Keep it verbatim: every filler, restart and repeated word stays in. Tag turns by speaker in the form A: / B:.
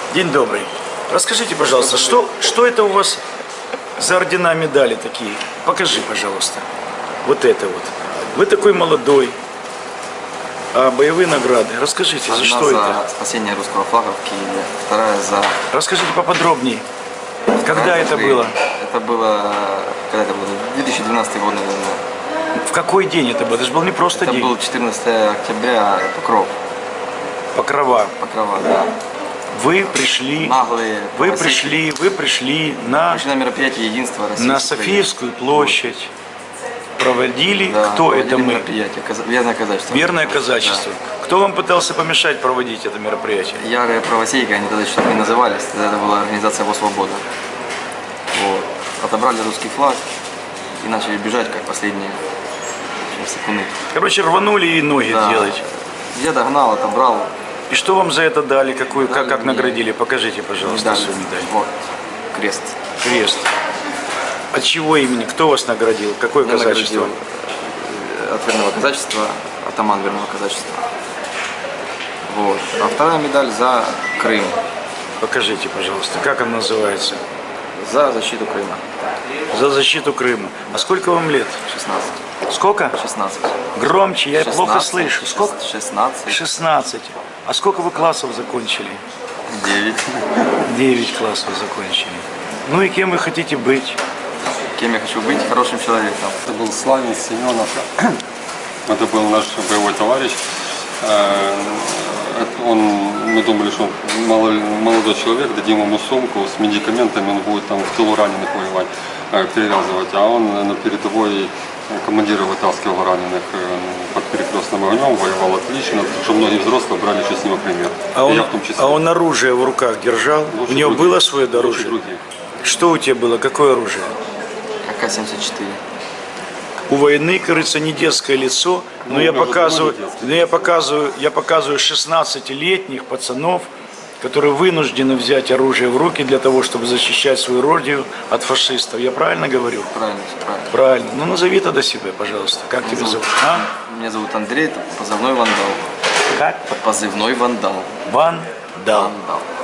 A: День добрый. Расскажите, пожалуйста, что, что это у вас за ордена, медали такие? Покажи, пожалуйста. Вот это вот. Вы такой молодой. А боевые награды? Расскажите,
B: Одна
A: за что
B: за
A: это?
B: спасение русского флага в Киеве, вторая за...
A: Расскажите поподробнее. Когда это
B: Крым.
A: было?
B: Это было... Когда это было? две тысячи двенадцатый год, наверное.
A: В какой день это было? Это же был не просто
B: Это
A: день.
B: был четырнадцатое октября, Покров.
A: Покрова.
B: Покрова, да.
A: Вы пришли,
B: Наглые.
A: вы
B: российские.
A: пришли, вы пришли на,
B: Пришли на мероприятие единства России.
A: на Софиевскую площадь. Проводили,
B: Да,
A: кто
B: проводили
A: это мы?
B: мероприятие. Каза- Верное казачество.
A: Верное казачество. Кто вам пытался помешать проводить это мероприятие?
B: Да. Ярые правосейки, они тогда еще так не назывались. Тогда это была организация «Во свобода». Вот. Отобрали русский флаг и начали бежать, как последние секунды.
A: Короче, рванули и ноги
B: Да.
A: делать.
B: Я догнал, отобрал.
A: И что вам за это дали? Какую, как, как
B: мне
A: наградили? Покажите, пожалуйста,
B: Медаль.
A: свою медаль.
B: Вот. Крест.
A: Крест. От чего имени? Кто вас наградил? Какое
B: Меня
A: казачество?
B: наградил, э, От верного казачества, атаман верного казачества. Вот. А вторая медаль за Крым.
A: Покажите, пожалуйста, как он называется?
B: За защиту Крыма.
A: За защиту Крыма. А сколько вам лет?
B: шестнадцать.
A: Сколько?
B: шестнадцать.
A: Громче, я плохо
B: шестнадцать.
A: слышу. Сколько?
B: шестнадцать.
A: шестнадцать. А сколько вы классов закончили?
B: девять.
A: девять классов закончили. Ну и кем вы хотите быть?
B: Кем я хочу быть? Хорошим человеком.
C: Это был Славин Семенов. Это был наш боевой товарищ. Э, это Он, мы думали, что он мало- молодой человек, дадим ему сумку с медикаментами, он будет там в тылу раненых воевать, э, перевязывать. А он на передовой командира вытаскивал раненых э, под перекрестным огнем, воевал отлично, что многие взрослые брали еще с него пример.
A: А
C: И
A: он,
C: я в том числе.
A: а он оружие в руках держал?
C: Лучше
A: У него
C: других.
A: было свое
C: Лучше
A: оружие?
C: других.
A: Что у тебя было? Какое оружие?
B: А К семьдесят четыре.
A: У войны, кажется, не детское лицо, но
C: Ну,
A: я
C: может,
A: показываю,
C: может, детское.
A: но я показываю, я показываю шестнадцатилетних пацанов, которые вынуждены взять оружие в руки для того, чтобы защищать свою родину от фашистов. Я правильно говорю?
B: Правильно, все правильно.
A: Правильно. Ну назови тогда себя, пожалуйста. Как тебя
B: зовут-
A: зовут? А?
B: Меня зовут Андрей, это позывной Вандал.
A: Как?
B: Позывной Вандал.
A: Ван Дал.
B: Вандал.